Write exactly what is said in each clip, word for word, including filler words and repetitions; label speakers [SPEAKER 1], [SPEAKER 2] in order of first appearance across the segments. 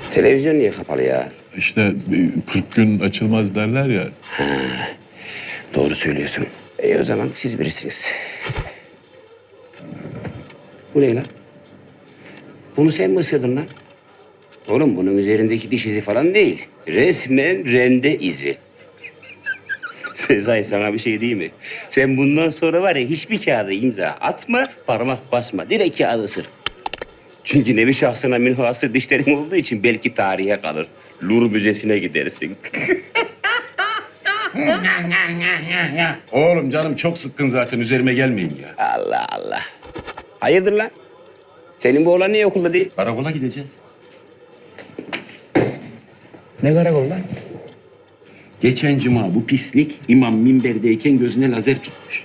[SPEAKER 1] Televizyon niye kapalı ya?
[SPEAKER 2] İşte kırk gün açılmaz derler ya.
[SPEAKER 1] Ha, doğru söylüyorsun. İyi o zaman siz birisiniz. Bu ne lan? Bunu sen mi ısırdın lan? Oğlum bunun üzerindeki diş izi falan değil. Resmen rende izi. Sezai sana bir şey değil mi? Sen bundan sonra var ya hiçbir kağıda imza atma, parmak basma. Direkt kağıdı ısır. Çünkü nevi şahsına münhasır dişlerin olduğu için belki tarihe kalır. Louvre Müzesi'ne gidersin.
[SPEAKER 3] Oğlum canım çok sıkkın zaten üzerime gelmeyin ya.
[SPEAKER 1] Allah Allah. Hayırdır lan? Senin bu oğlan niye okulda değil?
[SPEAKER 3] Karakola gideceğiz.
[SPEAKER 1] Ne karakol lan?
[SPEAKER 3] Geçen cuma bu pislik imam minberdeyken gözüne lazer tutmuş.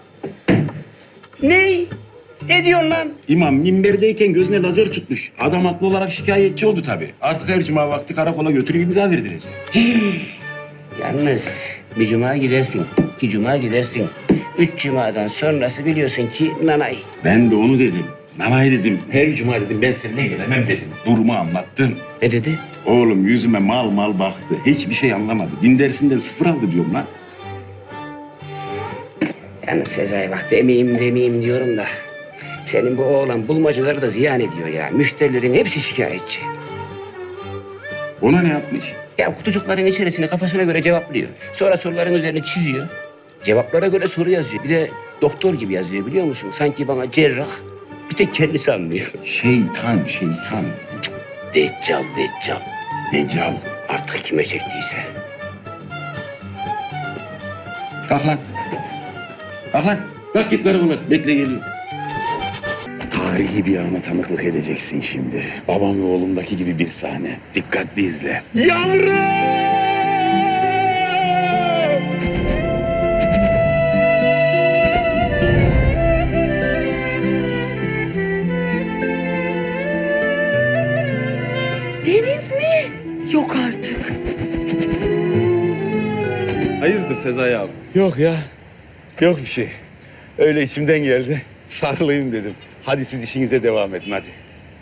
[SPEAKER 1] Ne? Ne diyorsun lan?
[SPEAKER 3] İmam minberdeyken gözüne lazer tutmuş. Adam haklı olarak şikayetçi oldu tabii. Artık her cuma vakti karakola götürüp imza verdirecek.
[SPEAKER 1] Yalnız bir cuma gidersin, iki cuma gidersin. Üç cumadan sonrası biliyorsun ki nanay.
[SPEAKER 3] Ben de onu dedim. Nanay dedim. Her cuma dedim ben seninle gelemem dedim. Durumu anlattım.
[SPEAKER 1] Ne dedi?
[SPEAKER 3] Oğlum yüzüme mal mal baktı. Hiçbir şey anlamadı. Din dersinden sıfır aldı diyorum lan.
[SPEAKER 1] Yalnız Sezai bak demeyeyim demeyeyim diyorum da. Senin bu oğlan bulmacaları da ziyan ediyor ya. Müşterilerin hepsi şikayetçi.
[SPEAKER 3] Ona ne yapmış?
[SPEAKER 1] Ya kutucukların içerisine kafasına göre cevaplıyor. Sonra soruların üzerine çiziyor. Cevaplara göre soru yazıyor. Bir de doktor gibi yazıyor biliyor musun? Sanki bana cerrah. Bir tek kendisi anlıyor.
[SPEAKER 3] Şeytan, şeytan.
[SPEAKER 1] Deccal, deccal.
[SPEAKER 3] Deccal.
[SPEAKER 1] Artık kime çektiyse.
[SPEAKER 3] Kalk lan. Kalk lan. Kalk git karakola. Bekle geliyor. Tarihi bir ana tanıklık edeceksin şimdi. Babam ve oğlumdaki gibi bir sahne. Dikkatli izle. Yavrum!
[SPEAKER 4] Deniz mi? Yok artık.
[SPEAKER 2] Hayırdır Sezai abi?
[SPEAKER 5] Yok ya. Yok bir şey. Öyle içimden geldi. Sarılayım dedim. Hadi siz işinize devam edin hadi.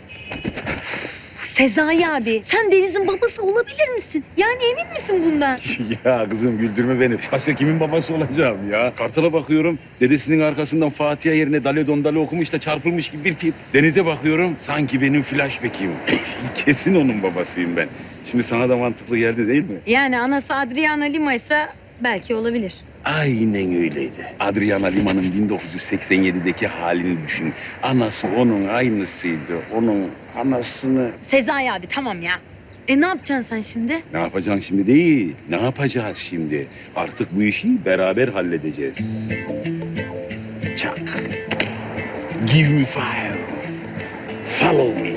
[SPEAKER 4] Sezai abi, sen Deniz'in babası olabilir misin? Yani emin misin bundan?
[SPEAKER 5] Ya kızım güldürme beni. Başka kimin babası olacağım ya? Kartal'a bakıyorum. Dedesinin arkasından Fatiha yerine Dale Dondale okumuş da çarpılmış gibi bir tip. Deniz'e bakıyorum. Sanki benim flashback'im. Kesin onun babasıyım ben. Şimdi sana da mantıklı geldi değil mi?
[SPEAKER 4] Yani anası Adriana Lima ise belki olabilir.
[SPEAKER 5] Aynen öyleydi. Adriana Lima'nın bin dokuz yüz seksen yedideki halini düşün. Anası onun aynısıydı. Onun anasını...
[SPEAKER 4] Sezai abi tamam ya. E ne yapacaksın sen şimdi?
[SPEAKER 5] Ne yapacaksın şimdi değil. Ne yapacağız şimdi? Artık bu işi beraber halledeceğiz. Çak. Give me fire. Follow me.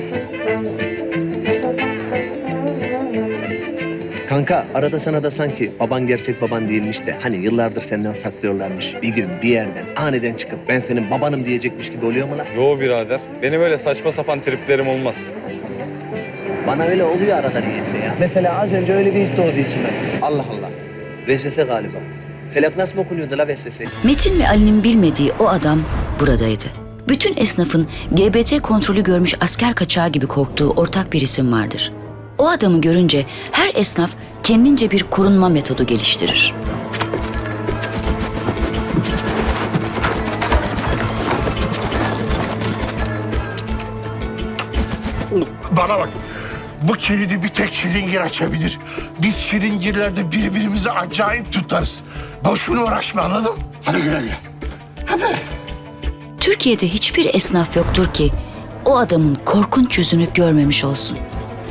[SPEAKER 6] Kanka arada sana da sanki baban gerçek baban değilmiş de hani yıllardır senden saklıyorlarmış. Bir gün bir yerden aniden çıkıp ben senin babanım diyecekmiş gibi oluyor mu lan?
[SPEAKER 7] Yo birader. Benim öyle saçma sapan triplerim olmaz.
[SPEAKER 6] Bana öyle oluyor arada niyeyse ya. Mesela az önce öyle bir his doğdu içime. Allah Allah. Vesvese galiba. Felak nasıl mı okunuyordu la vesvese?
[SPEAKER 8] Metin ve Ali'nin bilmediği o adam buradaydı. Bütün esnafın G B T kontrolü görmüş asker kaçağı gibi korktuğu ortak bir isim vardır. O adamı görünce her esnaf kendince bir korunma metodu geliştirir.
[SPEAKER 9] Bana bak. Bu kilidi bir tek şilingir açabilir. Biz şilingirlerde birbirimizi acayip tutarız. Boşuna uğraşma anladın mı? Hadi güle güle. Hadi.
[SPEAKER 8] Türkiye'de hiçbir esnaf yoktur ki o adamın korkunç yüzünü görmemiş olsun.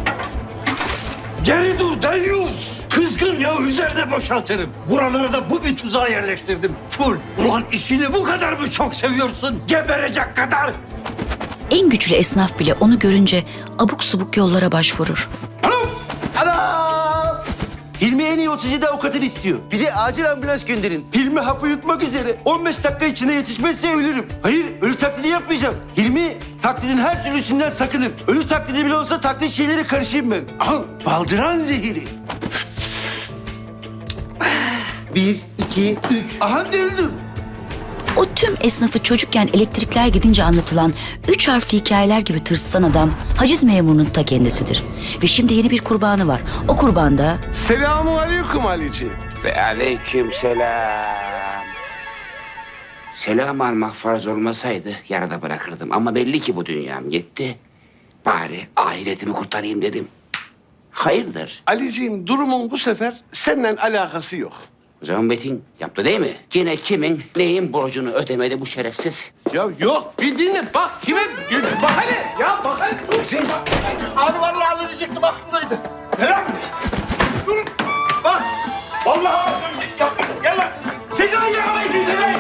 [SPEAKER 9] Geri dur deyyus. Kızgın ya üzerine boşaltırım. Buralara da bu bir tuzağa yerleştirdim. Full. Ulan işini bu kadar mı çok seviyorsun? Geberecek kadar.
[SPEAKER 8] En güçlü esnaf bile onu görünce abuk subuk yollara başvurur.
[SPEAKER 10] Anam! Anam! Hilmi en iyi otuz yedi avukatını istiyor. Bir de acil ambulans gönderin. Hilmi hapı yutmak üzere. on beş dakika içinde yetişmezse ölürüm. Hayır, ölü taklidi yapmayacağım. Hilmi taklidin her türlüsünden sakınır. Ölü taklidi bile olsa taklit şeylere karışayım ben. Aha, baldıran zehiri. Bir, iki, üç. Aha öldüm.
[SPEAKER 8] O tüm esnafı çocukken elektrikler gidince anlatılan üç harfli hikayeler gibi tırsıtan adam haciz memurunun ta kendisidir. Ve şimdi yeni bir kurbanı var. O kurban da
[SPEAKER 9] Selamun aleyküm Ali'ciğim.
[SPEAKER 1] Ve aleyküm selam. Selam almak farz olmasaydı yarıda bırakırdım. Ama belli ki bu dünyam yetti. Bari ahiretimi kurtarayım dedim. Hayırdır?
[SPEAKER 9] Ali'ciğim durumun bu sefer seninle alakası yok.
[SPEAKER 1] O zaman Metin yaptı değil mi? Yine kimin neyin borcunu ödemedi bu şerefsiz?
[SPEAKER 9] Ya yok bir dinle bak kime bak hele ya bak hele. Abi vallahi halledecektim aklımdaydı. Ne lan? Dur bak. Vallahi yapmadım gel lan. Sezai yakalayın Sezai.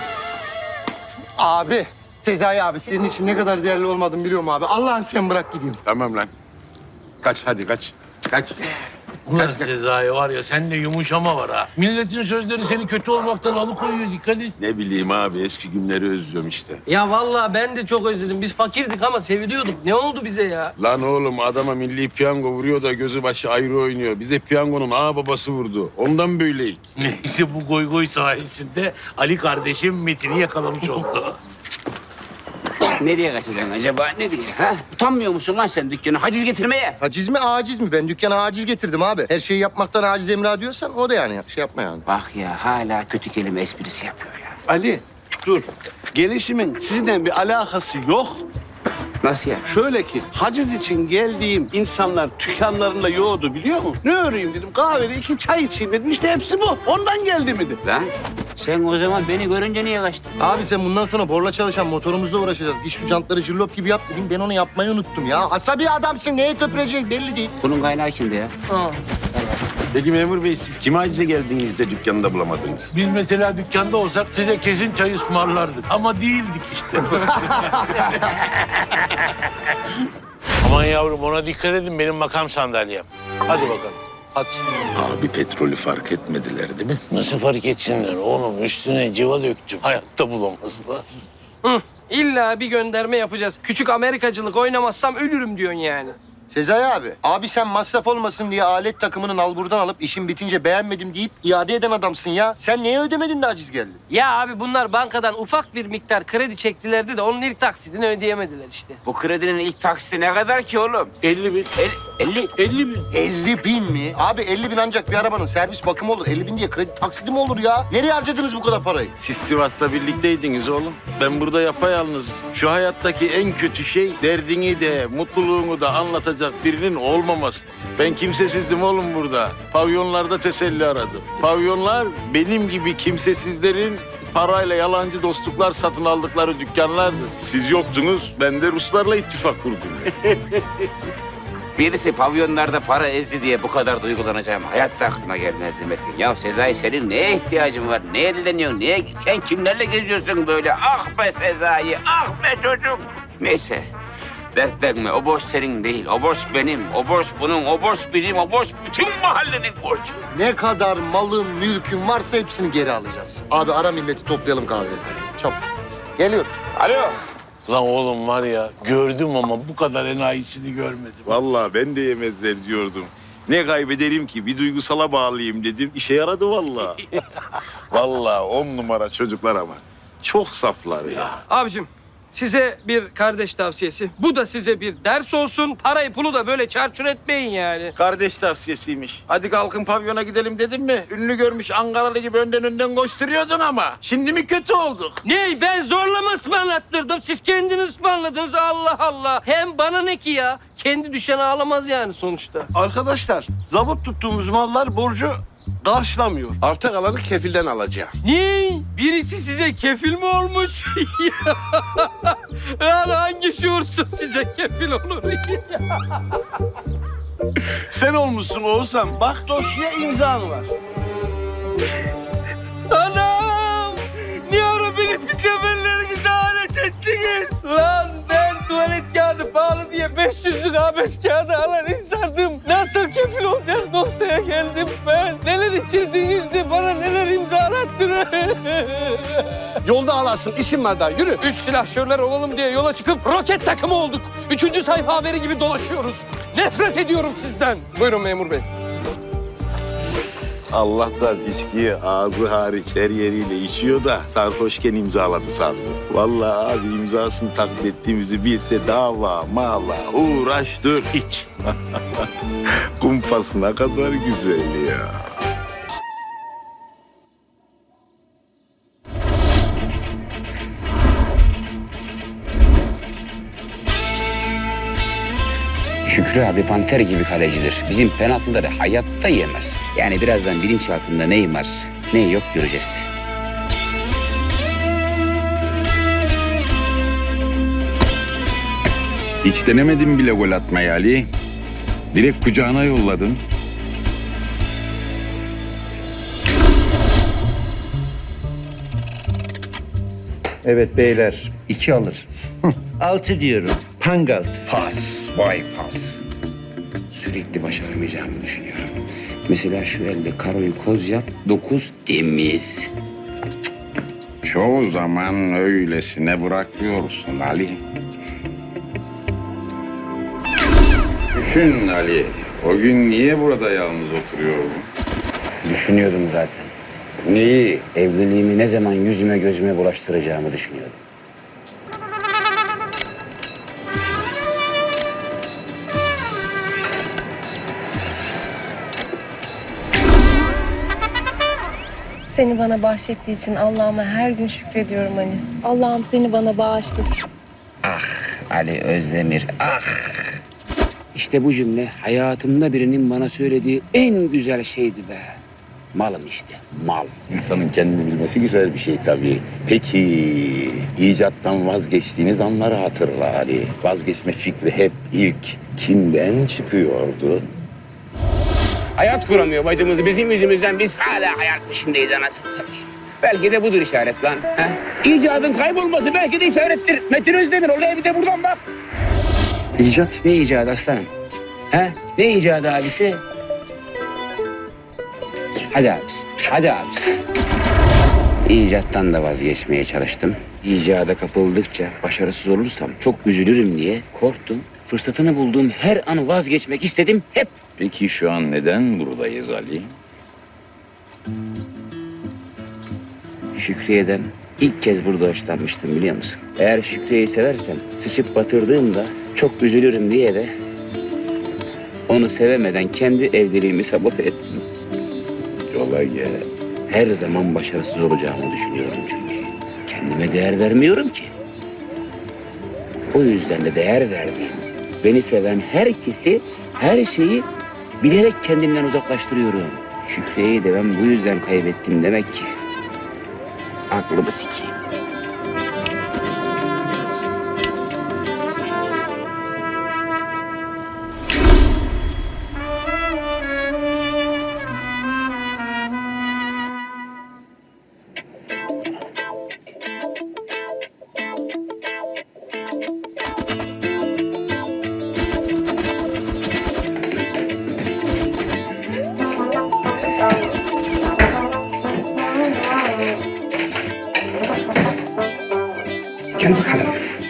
[SPEAKER 10] Abi, Sezai abi senin için ne kadar değerli olmadığını biliyorum abi. Allah'ın sen bırak gideyim.
[SPEAKER 5] Tamam lan. Kaç hadi kaç. Kaç.
[SPEAKER 9] Ulan Sezai var ya sende yumuşama var ha. Milletin sözleri seni kötü olmaktan alıkoyuyor dikkat et.
[SPEAKER 5] Ne bileyim abi eski günleri özlüyorum işte.
[SPEAKER 11] Ya vallahi ben de çok özledim. Biz fakirdik ama seviliyorduk. Ne oldu bize ya?
[SPEAKER 5] Lan oğlum adama milli piyango vuruyor da gözü başı ayrı oynuyor. Bize piyangonun ağa babası vurdu. Ondan böyleyik.
[SPEAKER 9] Neyse bu goy goy sayesinde Ali kardeşim Metin'i yakalamış oldu.
[SPEAKER 1] Nereye kaçacaksın acaba? Nereye? Ha? Utanmıyor musun lan sen dükkana haciz getirmeye?
[SPEAKER 10] Haciz mi aciz mi? Ben dükkana aciz getirdim abi. Her şeyi yapmaktan aciz emra diyorsan o da yani şey yapma yani.
[SPEAKER 1] Bak ya hala kötü kelime esprisi yapıyor ya.
[SPEAKER 12] Ali dur. Gelişimin sizinle bir alakası yok.
[SPEAKER 1] Nasıl ya?
[SPEAKER 12] Şöyle ki haciz için geldiğim insanlar dükkanlarında yoğurdu biliyor musun? Ne öreyim dedim kahvede iki çay içeyim dedim işte hepsi bu. Ondan geldi mi dedim.
[SPEAKER 1] Lan sen o zaman beni görünce niye kaçtın?
[SPEAKER 10] Abi sen bundan sonra borla çalışan motorumuzla uğraşacağız. Git şu jantları jillop gibi yap dedim. Ben onu yapmayı unuttum ya. Asabi adamsın. Neye köpürecek belli değil.
[SPEAKER 1] Bunun kaynağı kimdi ya?
[SPEAKER 5] Peki memur bey siz kime acize geldiniz de dükkanında bulamadınız?
[SPEAKER 9] Biz mesela dükkanda olsak size kesin çay ısmarlardık. Ama değildik işte. Aman yavrum ona dikkat edin benim makam sandalyem. Hadi bakalım. Hadi.
[SPEAKER 5] Abi petrolü fark etmediler değil mi?
[SPEAKER 9] Nasıl fark etsinler oğlum? Üstüne civa döktüm. Hayatta bulamazlar.
[SPEAKER 11] Hı, illa bir gönderme yapacağız. Küçük Amerikacılık oynamazsam ölürüm diyorsun yani.
[SPEAKER 10] Sezai abi. Abi sen masraf olmasın diye alet takımını nalburdan alıp işin bitince beğenmedim deyip iade eden adamsın ya. Sen neye ödemedin de aciz geldin?
[SPEAKER 11] Ya abi bunlar bankadan ufak bir miktar kredi çektilerdi de onun ilk taksidini ödeyemediler işte.
[SPEAKER 1] Bu kredinin ilk taksiti ne kadar ki oğlum?
[SPEAKER 9] elli bin.
[SPEAKER 1] El, elli.
[SPEAKER 9] elli bin.
[SPEAKER 10] elli bin mi? Abi elli bin ancak bir arabanın servis bakımı olur. elli bin diye kredi taksidi mi olur ya? Nereye harcadınız bu kadar parayı?
[SPEAKER 5] Siz Sivas'ta birlikteydiniz oğlum. Ben burada yapayalnız. Şu hayattaki en kötü şey derdini de mutluluğunu da anlatacak birinin olmaması. Ben kimsesizdim oğlum burada. Pavyonlarda teselli aradım. Pavyonlar benim gibi kimsesizlerin parayla yalancı dostluklar satın aldıkları dükkanlardı. Siz yoktunuz, ben de Ruslarla ittifak kurdum.
[SPEAKER 1] Birisi pavyonlarda para ezdi diye bu kadar duygulanacağım. Hayatta aklıma gelmezdi Metin. Ya Sezai senin neye ihtiyacın var? Neye dileniyorsun? Neye... Sen kimlerle geziyorsun böyle? Ah be Sezai, ah be çocuk. Neyse. Dertlenme. O borç senin değil. O borç benim. O borç bunun. O borç bizim. O borç bütün mahallenin borcu.
[SPEAKER 10] Ne kadar malın, mülkün varsa hepsini geri alacağız. Abi ara milleti toplayalım kahveye. Çabuk. Geliyoruz.
[SPEAKER 1] Alo.
[SPEAKER 9] Lan oğlum var ya gördüm ama bu kadar enayisini görmedim.
[SPEAKER 5] Vallahi ben de yemezler diyordum. Ne kaybederim ki? Bir duygusala bağlayayım dedim. İşe yaradı vallahi. Vallahi on numara çocuklar ama. Çok saflar ya.
[SPEAKER 11] Abicim size bir kardeş tavsiyesi. Bu da size bir ders olsun. Parayı pulu da böyle çarçur etmeyin yani.
[SPEAKER 5] Kardeş tavsiyesiymiş. Hadi kalkın pavyona gidelim dedim mi? Ünlü görmüş Ankaralı gibi önden önden koşturuyordun ama. Şimdi mi kötü olduk?
[SPEAKER 11] Ne? Ben zorla mı ısmarlattırdım? Siz kendiniz ısmarladınız. Allah Allah. Hem bana ne ki ya? Kendi düşen ağlamaz yani sonuçta.
[SPEAKER 12] Arkadaşlar zabıt tuttuğumuz mallar borcu karşılamıyor. Arta kalanı kefilden alacağım.
[SPEAKER 11] Ne? Birisi size kefil mi olmuş? Yani hangi şuursuz size kefil olur?
[SPEAKER 12] Sen olmuşsun Oğuzhan. Bak dosya imzan var.
[SPEAKER 11] Anam! Niye ara beni pis emellerinize alet ettiniz? Lan ben tuvalet kağıdı pahalı diye beş yüzlük A beş kağıdı alan insandım. Nasıl kefil olacak noktaya geldim ben? Neler içirdiniz de bana neler imzalattınız?
[SPEAKER 12] Yolda alarsın. İşim var daha. Yürü.
[SPEAKER 11] Üç silahşörler olalım diye yola çıkıp roket takımı olduk. Üçüncü sayfa haberi gibi dolaşıyoruz. Nefret ediyorum sizden. Buyurun memur bey.
[SPEAKER 5] Allah'tan içkiye ağzı hariç her yeriyle içiyor da sarhoşken imzaladı sandım. Vallahi abi imzasını takip ettiğimizi bilse dava, mava, uğraş dur hiç. Kumpas ne kadar güzel ya.
[SPEAKER 1] Şükrü abi panter gibi kalecidir. Bizim penaltıları hayatta yemez. Yani birazdan bilinçaltında neyim var, ne yok göreceğiz.
[SPEAKER 5] Hiç denemedim bile gol atmayı Ali. Direkt kucağına yolladın.
[SPEAKER 10] Evet beyler, iki alır. Altı diyorum. Pangalt.
[SPEAKER 1] Pas, vay pas. Sürekli başaramayacağımı düşünüyorum. Mesela şu elde karoyu koz yap, dokuz temiz.
[SPEAKER 5] Çoğu zaman öylesine bırakıyorsun Ali. Düşün Ali, o gün niye burada yalnız oturuyordun?
[SPEAKER 1] Düşünüyordum zaten.
[SPEAKER 5] Neyi?
[SPEAKER 1] Evliliğimi ne zaman yüzüme gözüme bulaştıracağımı düşünüyordum.
[SPEAKER 4] Seni bana bahşettiği için Allah'ıma her gün şükrediyorum hani. Allah'ım seni bana bağışlasın.
[SPEAKER 1] Ah Ali Özdemir, ah! İşte bu cümle hayatımda birinin bana söylediği en güzel şeydi be. Malım işte, mal.
[SPEAKER 5] İnsanın kendini bilmesi güzel bir şey tabii. Peki, icattan vazgeçtiğiniz anları hatırla Ali. Vazgeçme fikri hep ilk kimden çıkıyordu?
[SPEAKER 1] Hayat kuramıyor bacımız bizim yüzümüzden. Biz hala hayat peşindeyiz anasını satayım. Belki de budur işaret lan. He? İcadın kaybolması belki de işarettir. Metin Özdemir olaya bir de buradan bak. İcat? Ne icadı aslanım? He? Ne icadı abisi? Hadi abisi, hadi abisi. İcattan da vazgeçmeye çalıştım. İcada kapıldıkça başarısız olursam çok üzülürüm diye korktum. Fırsatını bulduğum her an vazgeçmek istedim hep.
[SPEAKER 5] Peki şu an neden buradayız Ali?
[SPEAKER 1] Şükriye'den ilk kez burada hoşlanmıştım biliyor musun? Eğer Şükriye'yi seversem sıçıp batırdığımda çok üzülürüm diye de onu sevemeden kendi evliliğimi sabote ettim.
[SPEAKER 5] Yola gel.
[SPEAKER 1] Her zaman başarısız olacağımı düşünüyorum çünkü. Kendime değer vermiyorum ki. O yüzden de değer verdiğim, beni seven herkesi, her şeyi bilerek kendimden uzaklaştırıyorum. Şükriye'yi de ben bu yüzden kaybettim demek ki. Aklımı sikeyim. Gel bakalım.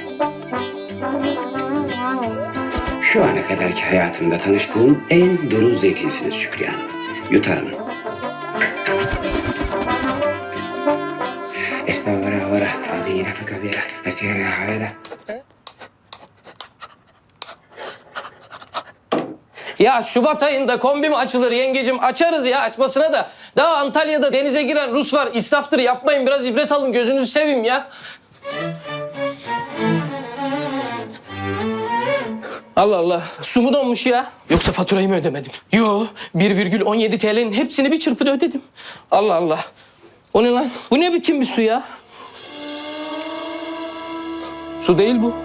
[SPEAKER 1] Şu ana kadarki hayatımda tanıştığım en duru zeytinsiniz Şükriye Hanım. Yutarım. Estağfurullah. Avira fakavira. Estağfurullah.
[SPEAKER 11] Ya Şubat ayında kombi mi açılır yengecim? Açarız ya açmasına da. Daha Antalya'da denize giren Rus var. İsraftır yapmayın biraz ibret alın gözünüzü seveyim ya. Allah Allah. Su mu donmuş ya? Yoksa faturayı mı ödemedim? Yo, bir virgül on yedi T L'nin hepsini bir çırpıda ödedim. Allah Allah. O ne lan? Bu ne biçim bir su ya? Su değil bu.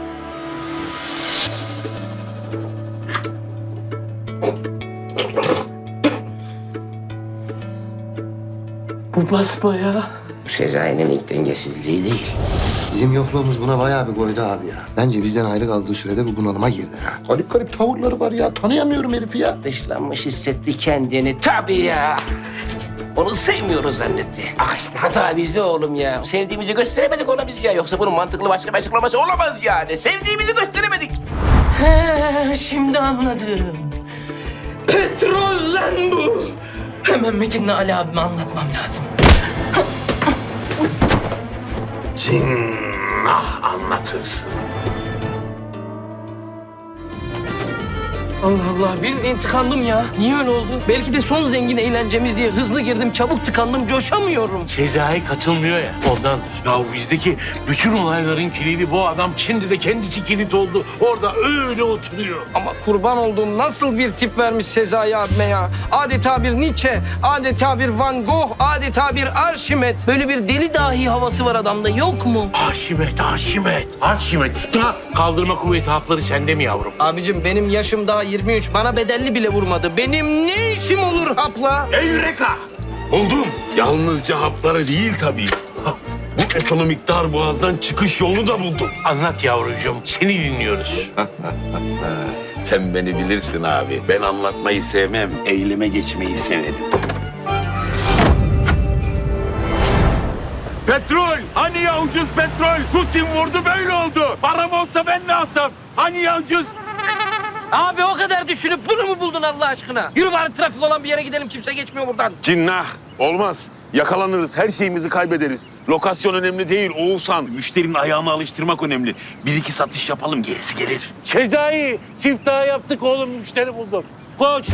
[SPEAKER 11] Bu basbayağı.
[SPEAKER 1] Bu Sezai'nin ilk dengesizliği değil.
[SPEAKER 10] Bizim yokluğumuz buna bayağı bir koydu abi ya. Bence bizden ayrı kaldığı sürede bu bunalıma girdi ha. Garip garip tavırları var ya. Tanıyamıyorum herifi ya.
[SPEAKER 1] Dışlanmış hissetti kendini. Tabii ya. Onu sevmiyoruz zannetti. Ah işte hata bizde oğlum ya. Sevdiğimizi gösteremedik ona biz ya. Yoksa bunun mantıklı başka bir açıklaması olamaz yani. Sevdiğimizi gösteremedik.
[SPEAKER 11] He, şimdi anladım. Petrol lan bu. He, Hemen Metin'le Ali abime anlatmam lazım.
[SPEAKER 9] Cinnah anlatır.
[SPEAKER 11] Allah Allah, bildiğin tıkandım ya. Niye öyle oldu? Belki de son zengin eğlencemiz diye hızlı girdim, çabuk tıkandım, coşamıyorum.
[SPEAKER 9] Sezai katılmıyor ya ondan. Ya bizdeki bütün olayların kilidi bu adam. Şimdi de kendisi kilit oldu. Orada öyle oturuyor.
[SPEAKER 11] Ama kurban olduğum nasıl bir tip vermiş Sezai abime ya. Adeta bir Nietzsche, adeta bir Van Gogh, adeta bir Arşimet. Böyle bir deli dahi havası var adamda, yok mu?
[SPEAKER 9] Arşimet, Arşimet, Arşimet. Ha, kaldırma kuvveti hapları sende mi yavrum?
[SPEAKER 11] Abicim benim yaşım daha yirmi üç. Bana bedelli bile vurmadı. Benim ne işim olur hapla?
[SPEAKER 5] Evreka! Buldum. Yalnızca hapları değil tabii. Ha, bu ekonomik dar boğazdan çıkış yolunu da buldum.
[SPEAKER 9] Anlat yavrucuğum, seni dinliyoruz.
[SPEAKER 5] Sen beni bilirsin abi. Ben anlatmayı sevmem, eyleme geçmeyi severim. Petrol! Hani ya ucuz petrol? Putin vurdu böyle oldu. Param olsa ben ne alsam? Hani ya ucuz?
[SPEAKER 11] Abi o kadar düşünüp bunu mu buldun Allah aşkına? Yürü bari trafik olan bir yere gidelim. Kimse geçmiyor buradan.
[SPEAKER 5] Cinnah! Olmaz. Yakalanırız, her şeyimizi kaybederiz. Lokasyon önemli değil Oğuzhan. Müşterinin ayağını alıştırmak önemli. Bir iki satış yapalım, gerisi gelir.
[SPEAKER 9] Sezai, siftah yaptık oğlum, müşteri buldum. Koş.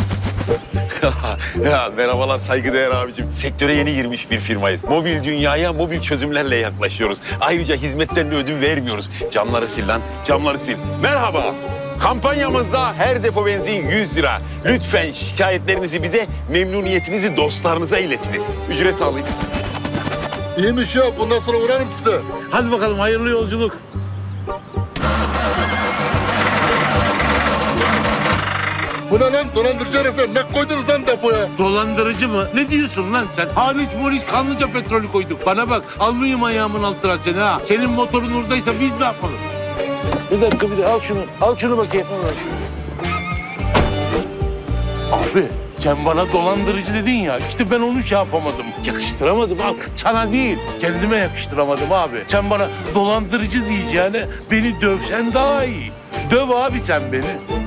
[SPEAKER 5] Ya merhabalar saygıdeğer abicim. Sektöre yeni girmiş bir firmayız. Mobil dünyaya mobil çözümlerle yaklaşıyoruz. Ayrıca hizmetten de ödün vermiyoruz. Camları sil lan, camları sil. Merhaba. Kampanyamızda her depo benzin yüz lira. Lütfen şikayetlerinizi bize, memnuniyetinizi dostlarınıza iletiniz. Ücret alayım.
[SPEAKER 9] İyiymiş ya, bundan sonra uğrarım size. Hadi bakalım, hayırlı yolculuk.
[SPEAKER 2] Bu ne lan? Dolandırıcı herifler. Ne koydunuz lan depoya?
[SPEAKER 9] Dolandırıcı mı? Ne diyorsun lan sen? Halis molis kanlıca petrolü koyduk. Bana bak, almayayım ayağımın altına seni ha. Senin motorun oradaysa biz ne yapalım? Bir dakika, bir de al şunu. Al şunu bakayım. Al şunu. Abi sen bana dolandırıcı dedin ya. İşte ben onu şey yapamadım. Yakıştıramadım abi. Sana değil. Kendime yakıştıramadım abi. Sen bana dolandırıcı diyeceğine beni dövsen daha iyi. Döv abi sen beni.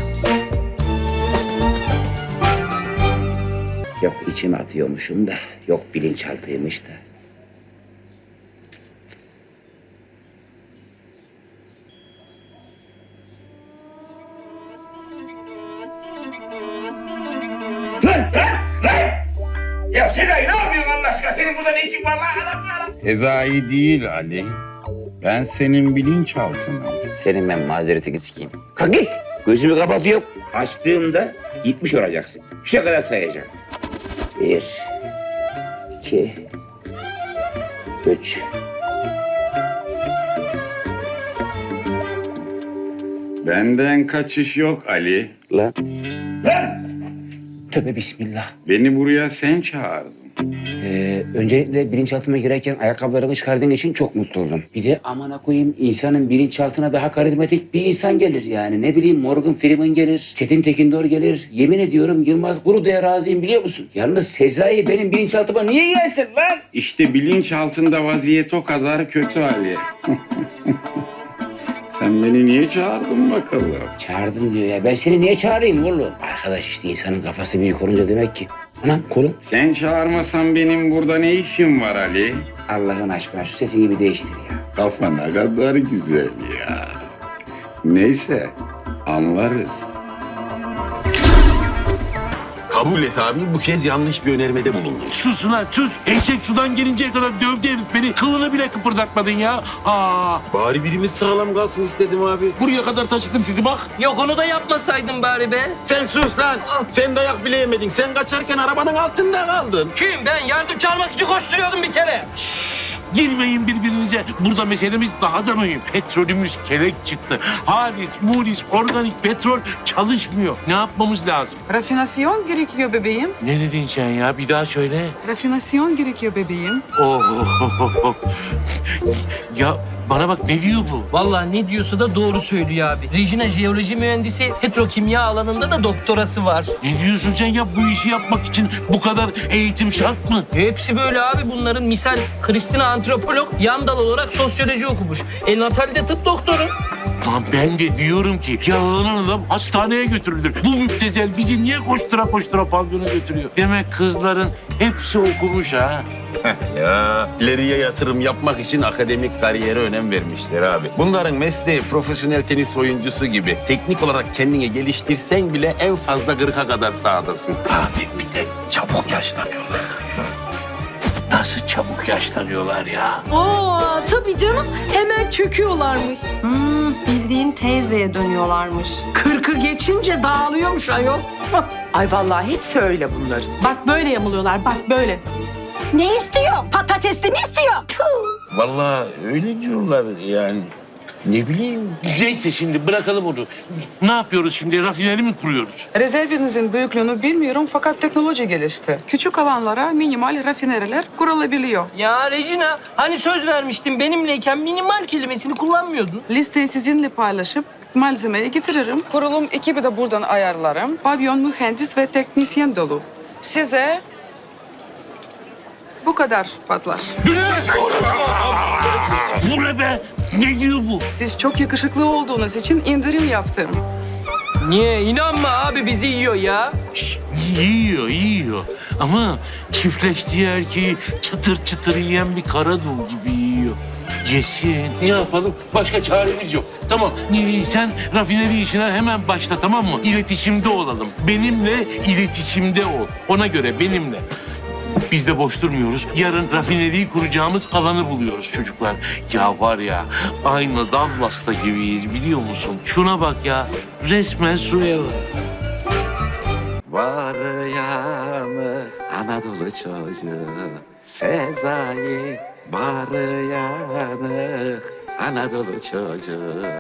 [SPEAKER 1] Yok içime atıyormuşum da, yok bilinçaltıymış da. Ya Sezai ne yapıyorsun Allah aşkına? Senin burada ne işin var lan? Adam ya.
[SPEAKER 3] Sezai değil Ali. Ben senin bilinçaltınım.
[SPEAKER 1] Senin ben mazeretini sikeyim. Kalk git. Gözümü kapatıyorum. Açtığımda gitmiş olacaksın. Üçe kadar sayacağım. Bir, iki, üç.
[SPEAKER 3] Benden kaçış yok Ali.
[SPEAKER 1] Lan. Lan! Tövbe bismillah.
[SPEAKER 3] Beni buraya sen çağırdın.
[SPEAKER 1] Ee, öncelikle bilinçaltıma girerken ayakkabılarını çıkardığın için çok mutlu oldum. Bir de amına koyayım insanın bilinçaltına daha karizmatik bir insan gelir yani. Ne bileyim Morgan Freeman gelir, Çetin Tekindor gelir. Yemin ediyorum Yılmaz Guru'ya razıyım biliyor musun? Yalnız Sezai benim bilinçaltıma niye gelsin lan?
[SPEAKER 3] İşte bilinçaltında vaziyet o kadar kötü Ali. Sen beni niye çağırdın bakalım?
[SPEAKER 1] Çağırdın diyor ya. Ben seni niye çağırayım oğlum? Arkadaş işte insanın kafası büyük olunca demek ki. Anam kolum.
[SPEAKER 3] Sen çağırmasan benim burada ne işim var Ali?
[SPEAKER 1] Allah'ın aşkına şu sesini bir değiştir ya.
[SPEAKER 3] Kafa ne kadar güzel ya. Neyse anlarız.
[SPEAKER 5] Kabul et abi, bu kez yanlış bir önermede bulundun.
[SPEAKER 9] Sus lan sus. Eşek sudan gelinceye kadar dövdü herif beni. Kılını bile kıpırdatmadın ya. Aa.
[SPEAKER 5] Bari birimiz sağlam kalsın istedim abi. Buraya kadar taşıdım sizi bak.
[SPEAKER 11] Yok onu da yapmasaydın bari be.
[SPEAKER 5] Sen sus lan. Sen dayak bile yemedin. Sen kaçarken arabanın altında kaldın.
[SPEAKER 11] Kim? Ben yardım çağırmak için koşturuyordum bir kere.
[SPEAKER 9] Girmeyin birbirinize. Burada meselemiz daha da mühim. Petrolümüz kelek çıktı. Halis, mulis, organik petrol çalışmıyor. Ne yapmamız lazım?
[SPEAKER 13] Rafinasyon gerekiyor bebeğim.
[SPEAKER 9] Ne dedin sen ya? Bir daha söyle.
[SPEAKER 13] Rafinasyon gerekiyor bebeğim.
[SPEAKER 9] Oh. Ya bana bak ne diyor bu?
[SPEAKER 11] Vallahi ne diyorsa da doğru söylüyor abi. Regina jeoloji mühendisi, petrokimya alanında da doktorası var.
[SPEAKER 9] Ne diyorsun sen ya? Bu işi yapmak için bu kadar eğitim şart mı?
[SPEAKER 11] Hepsi böyle abi bunların. Misal Kristina antropolog, yan dal olarak sosyoloji okumuş. El Natal de tıp doktoru.
[SPEAKER 12] Lan ben de diyorum ki yalanan adam hastaneye götürülür. Bu müptezel bizi niye koştura koştura pavyona götürüyor? Demek kızların hepsi okumuş ha.
[SPEAKER 5] Ya ileriye yatırım yapmak için akademik kariyere önem vermişler abi. Bunların mesleği profesyonel tenis oyuncusu gibi. Teknik olarak kendini geliştirsen bile en fazla kırka kadar sahadasın.
[SPEAKER 12] Abi bir de çabuk yaşlanıyorlar. Nasıl çabuk yaşlanıyorlar ya?
[SPEAKER 4] Aa tabii canım. Hemen çöküyorlarmış. Hmm, bildiğin teyzeye dönüyorlarmış.
[SPEAKER 11] Kırkı geçince dağılıyormuş ayol.
[SPEAKER 14] Ay vallahi hepsi öyle bunlar.
[SPEAKER 11] Bak böyle yamuluyorlar, bak böyle.
[SPEAKER 14] Ne istiyor? Patatesli mi istiyor? Tüh.
[SPEAKER 12] Vallahi öyle diyorlar yani. Ne bileyim. Neyse şimdi bırakalım onu. Ne yapıyoruz şimdi? Rafineri mi kuruyoruz?
[SPEAKER 13] Rezervinizin büyüklüğünü bilmiyorum fakat teknoloji gelişti. Küçük alanlara minimal rafineriler kurulabiliyor.
[SPEAKER 11] Ya Regina, hani söz vermiştin benimleyken minimal kelimesini kullanmıyordun.
[SPEAKER 13] Listeyi sizinle paylaşıp malzemeyi getiririm. Kurulum ekibi de buradan ayarlarım. Pavyon mühendis ve teknisyen dolu. Size bu kadar patlar.
[SPEAKER 12] Bu ne be? Ne diyor bu?
[SPEAKER 13] Siz çok yakışıklı olduğunuz için indirim yaptım.
[SPEAKER 11] Niye? İnanma abi bizi yiyor ya.
[SPEAKER 12] Şş, yiyor, yiyor. Ama çiftleştiği erkeği çıtır çıtır yiyen bir karadul gibi yiyor. Yesin. Ne yapalım? Başka çaremiz yok. Tamam. Ee, Sen rafineri işine hemen başla, tamam mı? İletişimde olalım. Benimle iletişimde ol. Ona göre benimle. Biz de boş durmuyoruz. Yarın rafineriyi kuracağımız alanı buluyoruz çocuklar. Ya var ya, aynı Dallas'ta gibiyiz biliyor musun? Şuna bak ya, resmen Suella.
[SPEAKER 5] Var yanı Anadolu çocuğu Sezai. Var yanı Anadolu çocuğu.